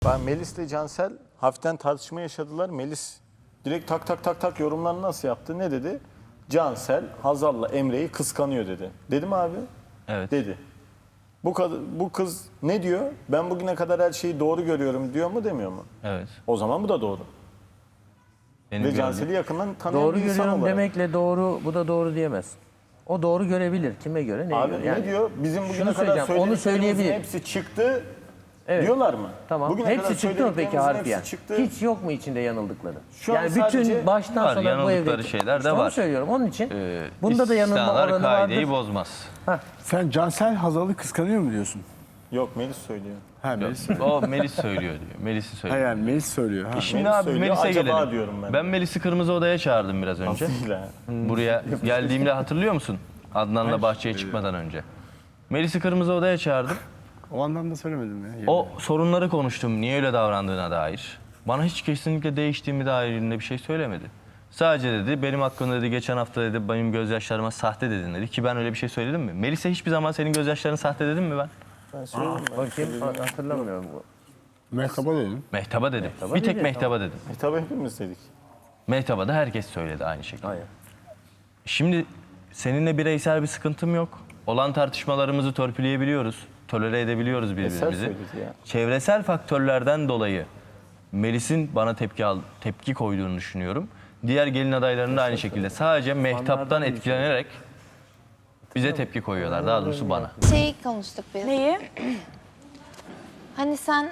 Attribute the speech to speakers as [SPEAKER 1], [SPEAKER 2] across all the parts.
[SPEAKER 1] Ben Melis'le Cansel hafiften tartışma yaşadılar. Melis direkt tak tak tak tak yorumlarını nasıl yaptı? Ne dedi? Cansel Hazal'la Emre'yi kıskanıyor dedi. Dedi mi abi?
[SPEAKER 2] Evet.
[SPEAKER 1] Dedi. Bu kız ne diyor? Ben bugüne kadar her şeyi doğru görüyorum diyor mu demiyor mu?
[SPEAKER 2] Evet.
[SPEAKER 1] O zaman bu da doğru.
[SPEAKER 2] Benim
[SPEAKER 1] Ve Cansel'i yakından tanıyan
[SPEAKER 3] Doğru
[SPEAKER 1] bir insan
[SPEAKER 3] görüyorum
[SPEAKER 1] olarak.
[SPEAKER 3] demekle doğru, bu da doğru diyemez. O doğru görebilir. Kime göre, neye
[SPEAKER 1] Abi
[SPEAKER 3] göre?
[SPEAKER 1] ne
[SPEAKER 3] Yani
[SPEAKER 1] diyor? Bizim bugüne
[SPEAKER 3] şunu
[SPEAKER 1] kadar
[SPEAKER 3] söyleyeceğim, onu
[SPEAKER 1] söylediklerimizin
[SPEAKER 3] söyleyebilir.
[SPEAKER 1] hepsi çıktı
[SPEAKER 3] Evet.
[SPEAKER 1] diyorlar mı?
[SPEAKER 3] Tamam.
[SPEAKER 1] Bugüne kadar
[SPEAKER 3] Hepsi çıktı mı peki
[SPEAKER 1] söylediklerimizin
[SPEAKER 3] harfiyen?
[SPEAKER 1] hepsi çıktı.
[SPEAKER 3] Hiç yok mu içinde yanıldıkları?
[SPEAKER 1] Şu an
[SPEAKER 3] Yani
[SPEAKER 1] sadece
[SPEAKER 3] bütün baştan
[SPEAKER 2] var,
[SPEAKER 3] sona bu
[SPEAKER 2] yanıldıkları
[SPEAKER 3] evde
[SPEAKER 2] şeyler de
[SPEAKER 3] İşte onu
[SPEAKER 2] var.
[SPEAKER 3] söylüyorum. Onun için bunda da yanılma
[SPEAKER 2] İstisnalar
[SPEAKER 3] oranı
[SPEAKER 2] kaideyi
[SPEAKER 3] vardır.
[SPEAKER 2] bozmaz.
[SPEAKER 4] Sen Cansel Hazal'ı kıskanıyor mu diyorsun?
[SPEAKER 1] Yok Melis söylüyor.
[SPEAKER 4] Ha Melis.
[SPEAKER 2] O Melis söylüyor diyor. Melis'i
[SPEAKER 4] Ha
[SPEAKER 2] söylüyor.
[SPEAKER 4] yani Melis söylüyor. Ha.
[SPEAKER 2] Şimdi
[SPEAKER 1] Melis
[SPEAKER 2] abi
[SPEAKER 1] söylüyor,
[SPEAKER 2] Melis'e
[SPEAKER 1] acaba
[SPEAKER 2] gelelim.
[SPEAKER 1] diyorum ben.
[SPEAKER 2] Ben Melis'i Kırmızı Oda'ya çağırdım biraz önce.
[SPEAKER 1] Nasıl ya?
[SPEAKER 2] Buraya geldiğimde hatırlıyor musun? Adnan'la bahçeye çıkmadan önce. Melis'i Kırmızı Oda'ya çağırdım.
[SPEAKER 4] O anlamda söylemedim ya.
[SPEAKER 2] O sorunları konuştum. Niye öyle davrandığına dair. Bana hiç kesinlikle değiştiğimi dairinde bir şey söylemedi. Sadece dedi benim hakkımda dedi geçen hafta dedi benim gözyaşlarıma sahte dedin dedi ki ben öyle bir şey söyledim mi? Melis'e hiçbir zaman senin gözyaşların sahte dedim mi ben?
[SPEAKER 1] Ben söyledim.
[SPEAKER 3] Bakayım hatırlamıyorum.
[SPEAKER 4] Mehtaba dedim.
[SPEAKER 2] Mehtaba dedim. Bir tek
[SPEAKER 3] dedi,
[SPEAKER 2] Mehtaba dedim.
[SPEAKER 1] Tabii hepimiz dedik.
[SPEAKER 2] Mehtaba da herkes söyledi aynı şekilde.
[SPEAKER 3] Hayır.
[SPEAKER 2] Şimdi seninle bireysel bir sıkıntım yok. Olan tartışmalarımızı törpüleyebiliyoruz. Tolere edebiliyoruz birbirimizi.
[SPEAKER 1] söyledi ya.
[SPEAKER 2] Çevresel faktörlerden dolayı Melis'in bana tepki koyduğunu düşünüyorum. Diğer gelin adaylarının da aynı şekilde. Sadece Mehtap'tan etkilenerek bize tepki koyuyorlar. Daha doğrusu bana.
[SPEAKER 5] Şeyi konuştuk biz.
[SPEAKER 6] Neyi?
[SPEAKER 5] Hani sen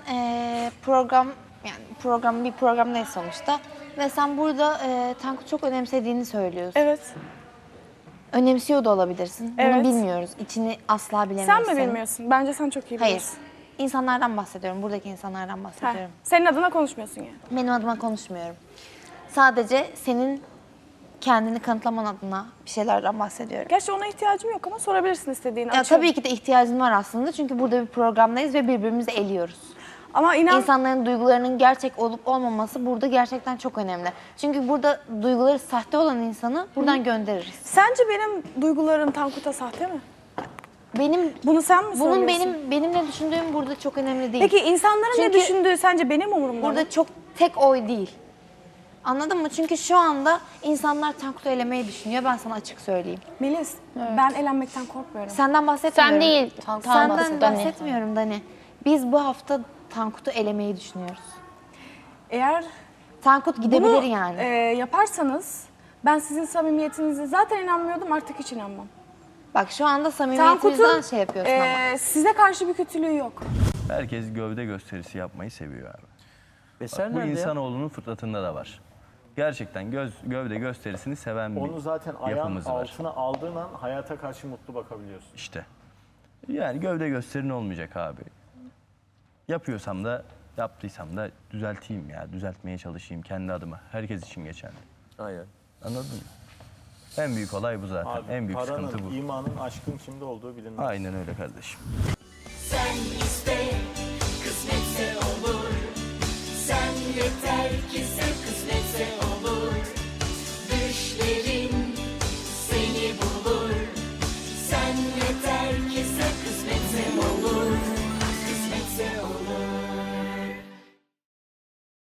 [SPEAKER 5] bir programdayız sonuçta. Ve sen burada Tankut çok önemsediğini söylüyorsun.
[SPEAKER 6] Evet.
[SPEAKER 5] Önemsiyor da olabilirsin. Bunu
[SPEAKER 6] Evet.
[SPEAKER 5] bilmiyoruz. İçini asla bilemeyiz.
[SPEAKER 6] Sen mi bilmiyorsun? Bence sen çok iyi
[SPEAKER 5] Hayır.
[SPEAKER 6] biliyorsun.
[SPEAKER 5] İnsanlardan bahsediyorum. Buradaki insanlardan
[SPEAKER 6] Ha,
[SPEAKER 5] bahsediyorum.
[SPEAKER 6] senin adına konuşmuyorsun yani.
[SPEAKER 5] Benim adıma konuşmuyorum. Sadece senin kendini kanıtlaman adına bir şeylerden bahsediyorum.
[SPEAKER 6] Gerçi ona ihtiyacım yok ama sorabilirsin istediğini.
[SPEAKER 5] Ya
[SPEAKER 6] açıyorum.
[SPEAKER 5] tabii ki de ihtiyacın var aslında. Çünkü burada bir programdayız ve birbirimizi eliyoruz.
[SPEAKER 6] Ama inan
[SPEAKER 5] İnsanların duygularının gerçek olup olmaması burada gerçekten çok önemli. Çünkü burada duyguları sahte olan insanı buradan göndeririz.
[SPEAKER 6] sence benim duygularım Tankut'a sahte mi?
[SPEAKER 5] Benim
[SPEAKER 6] Bunu sen mi
[SPEAKER 5] bunun
[SPEAKER 6] söylüyorsun?
[SPEAKER 5] benim ne düşündüğüm burada çok önemli değil.
[SPEAKER 6] Peki insanların ne
[SPEAKER 5] Çünkü
[SPEAKER 6] düşündüğü sence benim umurumda mı?
[SPEAKER 5] burada çok tek oy değil. Anladın mı? Çünkü şu anda insanlar Tankut'u elemeyi düşünüyor. Ben sana açık söyleyeyim.
[SPEAKER 6] Melis, ben elenmekten korkmuyorum.
[SPEAKER 5] Senden bahsetmiyorum.
[SPEAKER 7] Sen değil,
[SPEAKER 5] Senden
[SPEAKER 7] bahsediyorum.
[SPEAKER 5] bahsetmiyorum Dani. Biz bu hafta Tankut'u elemeyi düşünüyoruz.
[SPEAKER 6] Eğer
[SPEAKER 5] Tankut gidebilir
[SPEAKER 6] bunu
[SPEAKER 5] yani.
[SPEAKER 6] yaparsanız ben sizin samimiyetinize zaten inanmıyordum, artık hiç inanmam.
[SPEAKER 5] Bak şu anda samimiyetimizden
[SPEAKER 6] Tankut'un
[SPEAKER 5] şey yapıyorsun ama.
[SPEAKER 6] size karşı bir kötülüğü yok.
[SPEAKER 2] Herkes gövde gösterisi yapmayı seviyor abi.
[SPEAKER 3] Eser
[SPEAKER 2] Bu
[SPEAKER 3] nerede ya?
[SPEAKER 2] insanoğlunun fıtratında da var. Gerçekten gövde gösterisini seven bir
[SPEAKER 1] Onu zaten ayağın
[SPEAKER 2] yapımız var.
[SPEAKER 1] altına aldığın an hayata karşı mutlu bakabiliyorsun.
[SPEAKER 2] İşte. Yani gövde gösterin olmayacak abi. Yapıyorsam da yaptıysam da düzelteyim ya. Düzeltmeye çalışayım kendi adıma. Herkes için geçerli.
[SPEAKER 3] Aynen.
[SPEAKER 2] Anladın mı? En büyük olay bu zaten.
[SPEAKER 1] Abi,
[SPEAKER 2] en büyük
[SPEAKER 1] paranın,
[SPEAKER 2] sıkıntı bu.
[SPEAKER 1] imanın, aşkın kimde olduğu bilinmez.
[SPEAKER 2] Aynen öyle kardeşim.
[SPEAKER 8] Sen iste, kısmetse olur. Sen yeter ki sev, kısmetse olur.